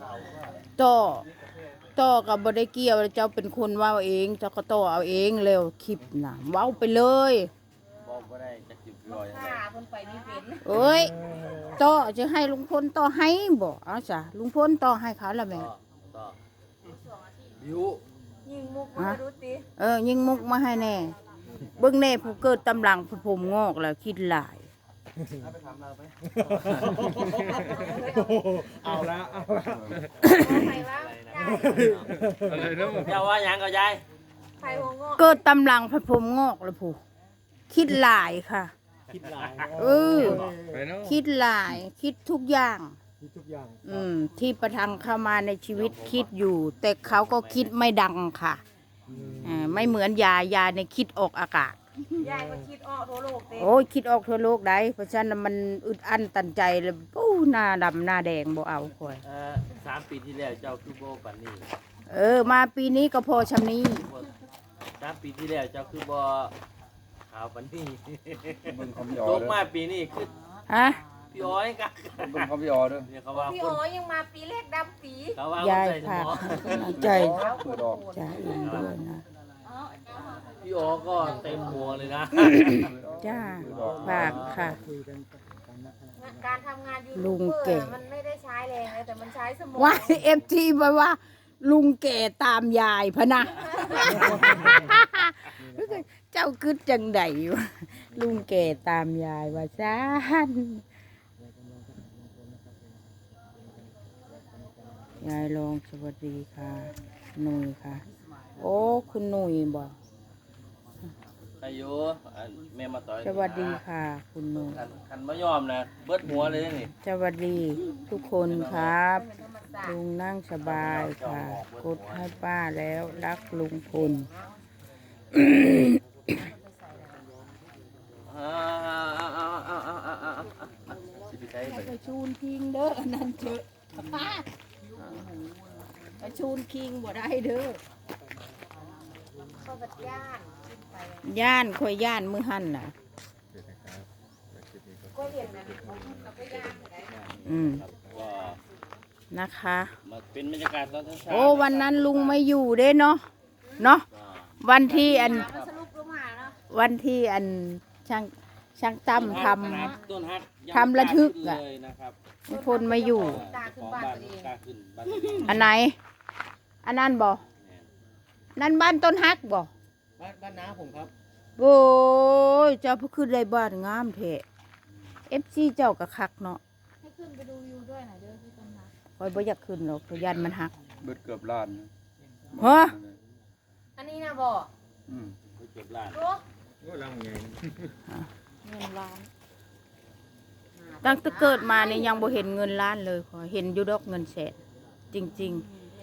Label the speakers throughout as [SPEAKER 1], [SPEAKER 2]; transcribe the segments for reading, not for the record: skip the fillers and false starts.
[SPEAKER 1] ต่อต่อกับบ่ได้เกี่ยวเจ้าเป็นคนเว้าเองเจ้าก็ต่อเอาเองแล้วคลิปน่ะเว้าไปเลย
[SPEAKER 2] บอกบ่ได้จักสิบร้อยอะไร
[SPEAKER 3] เพิ่นไปนี่เป็น
[SPEAKER 1] เอ้ยต่อจะให้ลุงพลต่อให้บ่เอาจ้ะลุงพลต่อให้เขาละแม่
[SPEAKER 2] ต่อบิว
[SPEAKER 3] ยิงมุกมาดูติ
[SPEAKER 1] ยิงมุกมาให้แน่เบิ่งแน่ผู้เกิดตำหลังผู้ผมงอกแล้วคิดหลาย
[SPEAKER 2] เอาไปทำเราไป
[SPEAKER 4] เอาละ
[SPEAKER 3] ใครว่า
[SPEAKER 4] อะไรนะผม
[SPEAKER 2] อย่าว่าหยังก็ยาย
[SPEAKER 3] ใครหัวงอก
[SPEAKER 1] เกิดตำหลังผู้ผมงอกแล้วผู้คิดหลายค่ะ
[SPEAKER 4] คิดหลาย
[SPEAKER 1] ไปเนาะคิดหลายคิดทุกอย่าง
[SPEAKER 4] คิดทุกอย่าง
[SPEAKER 1] ที่ประทังเข้ามาในชีวิตคิดอยู่ แต่เขาก็คิดไม่ดังค่ะไม่เหมือนยาในคิดออกอากาศ
[SPEAKER 3] ยายก็คิดออกทั่วโลกเต็ม
[SPEAKER 1] โอ้ยคิดออกทั่วโลกได้เพราะฉะนั้นมันอึดอั้นตันใจเลยปู้หน้าดำหน้าแดงบ่เอาค่อย
[SPEAKER 2] 3 ปีที่แล้วเจ้าคือโบปันนี่
[SPEAKER 1] มาปีนี้ก็พอชำนี้
[SPEAKER 2] 3 ปีที่แล้วเจ้าคือบ่ขาวปันนี่
[SPEAKER 5] บึงเขาพี่ออ
[SPEAKER 2] ต
[SPEAKER 5] เด้
[SPEAKER 2] ก
[SPEAKER 5] อ
[SPEAKER 2] มาปีนี้คือ
[SPEAKER 1] ฮะ
[SPEAKER 2] พี่อ้อยกัก
[SPEAKER 5] บึงเขาพี่ออเด้อ
[SPEAKER 2] เนี่ยเขาว่า
[SPEAKER 3] พี่
[SPEAKER 2] ค
[SPEAKER 3] อ๋
[SPEAKER 2] น
[SPEAKER 3] อยังมาปีแรกดำปี
[SPEAKER 2] เขาว่า
[SPEAKER 1] ยาย
[SPEAKER 2] ใจส
[SPEAKER 1] ค่ะ
[SPEAKER 2] มอง
[SPEAKER 1] ใจ
[SPEAKER 5] เปิดออก
[SPEAKER 1] ใจเองด้วยนะ
[SPEAKER 2] พี่อ้อก็เต็มหัวเลยนะ
[SPEAKER 1] จ้าฝากค่ะ
[SPEAKER 3] การทำงานยู
[SPEAKER 1] ลุ
[SPEAKER 3] ทูบ
[SPEAKER 1] ง
[SPEAKER 3] เบอ
[SPEAKER 1] เก่ง
[SPEAKER 3] ร์มันไม่ได้ใช้แรงเลยแต่มันใช้สมอง
[SPEAKER 1] ว่าFT ไปว่า ลุงแก่ตามยายพะนะ เจ้าคืดจังใดวะลุงแก่ตามยายว่าซ่านยายลองสวัสดีค่ะหนุ่ยค่ะ โอ้คุณหนุ่ยบอก
[SPEAKER 2] อายุแม่มาต่อย
[SPEAKER 1] สวัสดีค่ะ คุณหนุ่ย
[SPEAKER 2] คันมายอมนะเบิดหัวเลยนี่
[SPEAKER 1] สวัสดีทุกคนครับลุงนั่งสบายค่ะ กดให้ป้าแล้วรักลุงพล
[SPEAKER 2] สิไปใช้ไป
[SPEAKER 1] ไปชูนคิงเด้ออันนั้นเถอะไปชูนคิงบ่ได้เด้อ
[SPEAKER 3] เข้าบัดย่านขึ้นไป
[SPEAKER 1] ย่านค่อยย่านมือหั่นน่ะ
[SPEAKER 3] ก็เห็นนะกับก็ย่านเหมือนกัน
[SPEAKER 2] ก็
[SPEAKER 1] นะคะ
[SPEAKER 2] มาเป็นบรรยากาศตอนเช้า
[SPEAKER 1] โอ้วันนั้นลุงไม่อยู่เด้เนาะวันที่อัน
[SPEAKER 3] มันสรุปลงมาเนาะ
[SPEAKER 1] วันที่อันช่างตั้มท
[SPEAKER 2] ต้นฮัก
[SPEAKER 1] ทำระทึกอะ
[SPEAKER 2] เลยนะครับ
[SPEAKER 1] ำพลไม่อยู่
[SPEAKER 3] ตาขึ้นบ้านตัวเอง
[SPEAKER 2] กล้าขึ้นบ้านตัวเอง
[SPEAKER 1] อันไหน อันนั้นบ่นั่นบ้านต้นฮักบ่
[SPEAKER 4] บ้านน้าผมครับ
[SPEAKER 1] โอ้ยเจ้าพระขึ้นได้บ้านงามเถอะFC เจ้าก็คักเนาะ
[SPEAKER 3] ให้ขึ้นไปดูวิวด้วยหน่อยเด้อที่ต้นไม้
[SPEAKER 1] คอยบ่อยากขึ้นหรอกเพราะยันมันฮัก
[SPEAKER 5] เบิดเกือบล้าน
[SPEAKER 1] ฮะ
[SPEAKER 3] อันนี้นะบอก
[SPEAKER 5] อืม
[SPEAKER 2] เก็บล้าน
[SPEAKER 3] ดู
[SPEAKER 4] ก็ลังไง
[SPEAKER 3] เงินล้าน
[SPEAKER 1] ตั้งแต่เกิดมานี่ยังบ่เห็นเงินล้านเลยขอเห็นอยู่ดอกเงินแสนจริง
[SPEAKER 3] เน้น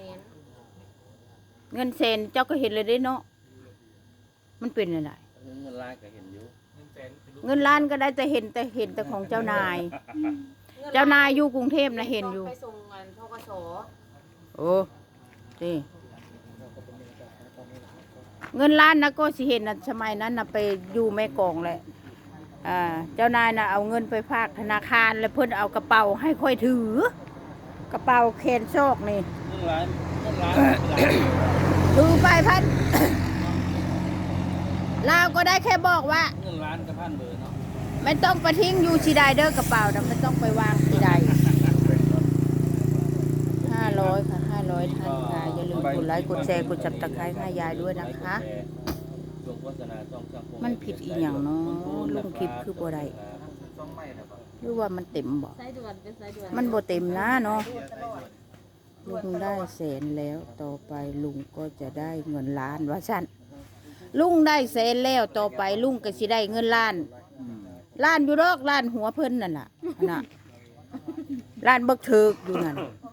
[SPEAKER 1] ๆ เงินแสนเจ้าก็เห็นเลยได้เนาะมันเป็นอะไร
[SPEAKER 2] เงินล้านก็เห็นอยู่
[SPEAKER 1] เงินล้านก็ได้แต่เห็นแต่ของเจ้านาย เจ้านายอยู่กรุงเทพนะเห็นอยู่
[SPEAKER 3] ไปส่งเงินทกส
[SPEAKER 1] โอ้นี่เงินล้านนะก็สิเห็นนะสมัยนั้นนะไปอยู่แม่กองแหละเจ้านายนะเอาเงินไปฝากธนาคารแล้วเพิ่นเอากระเป๋าให้ค่อยถือ กระเป๋าแขนซอกนี่
[SPEAKER 2] เงินล้านเป็นล้าน
[SPEAKER 1] ถือไปพัน ลาวก็ได้แค่บอกว่า
[SPEAKER 2] เงินล้านกับพันเบอร์เนาะ
[SPEAKER 1] ไม่ต้องไปทิ้งอยู่ชีใดเด้อกระเป๋านะไม่ต้องไปวางชีใด500 ค่ะ500ท่านค่ะอย่าลืมกดไลค์กดแชร์กดจับตะไคร้ให้ยายด้วยนะคะ
[SPEAKER 2] ช่วงโฆษณาช่องช่อง
[SPEAKER 1] มันผิดอีหยังเนาะลงคลิปคือบ่ได้หรือว่ามันเต็มบ่
[SPEAKER 3] สายด่วนเป็นสายด่วน
[SPEAKER 1] มันบ่เต็มนะเนาะลุงได้แสนแล้วต่อไปลุงก็จะได้เงินล้านว่าซั่นลุงได้แสนแล้วต่อไปลุงก็สิได้เงินล้าน
[SPEAKER 5] อืม
[SPEAKER 1] ล้านอยู่ดอกล้านหัวเพิ่นนั่นล่ะน่ะล้านเบิกถึกอยู่นั่น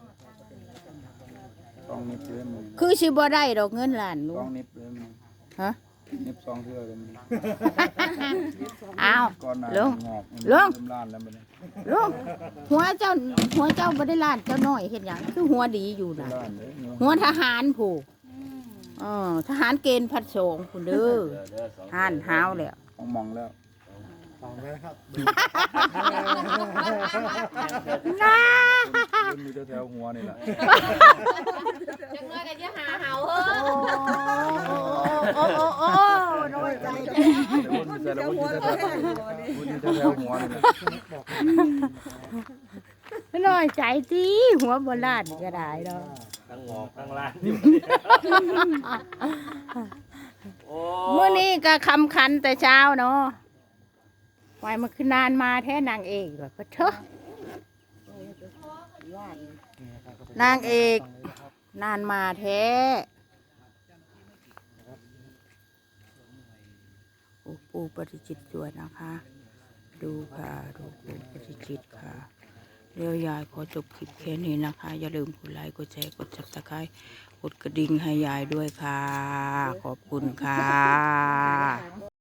[SPEAKER 5] ต้องนิบเลยมึง
[SPEAKER 1] คือสิบ่ได้ดอกเงินล้านลุ
[SPEAKER 5] ต้อง งนิบเลยมึง
[SPEAKER 1] ฮะ
[SPEAKER 5] นิบ2เทื่อเลยมึง
[SPEAKER 1] อ้าว
[SPEAKER 5] ก่อนหน้า
[SPEAKER 1] ลุง
[SPEAKER 5] งอก
[SPEAKER 1] ลุง
[SPEAKER 5] เริ่มล้านแล้วมัน
[SPEAKER 1] ลุงหัวเจ้าบ่ได้ล้านเจ้าน้อยเฮ็ดหยังคือหัวดีอยู่น่ะ
[SPEAKER 5] ล้านเลย
[SPEAKER 1] หัวทหารผู้ทหารเกณฑ์พัดสงผู้เด้อห่านหาวแล้ว
[SPEAKER 5] ต้องมองแล้ว
[SPEAKER 4] ฟังแล้วครับ
[SPEAKER 1] น้า
[SPEAKER 5] มันมีแถวๆหัวนี่แหละ
[SPEAKER 3] จังน้อยก็จะหาเห่าเฮ้
[SPEAKER 1] โอ้โอ้น้อยใจ
[SPEAKER 5] แต่มันมีแต่ละมันมีแถวๆหัวนี่แหละ
[SPEAKER 1] น้อยใจจีหัวโบราณก็ได้เนาะ
[SPEAKER 2] ทั้งหงอกทั้งล้านอยู่โอ้
[SPEAKER 1] เมื่อนี้ก็คำคันแต่เช้าเนาะไว้มันคือนานมาแท้นางเอกแบบเถอะนางเอกนานมาแท้ปูปฏิจิตรด้วยนะคะ ดูค่ะดูปูปฏิจิตรค่ะเรียวยายขอจบคลิปแค่นี้นะคะ อย่าลืมกดไลค์กดแชร์กด Subscribe กดกระดิ่งให้ยายด้วยค่ะ ขอบคุณค่ะ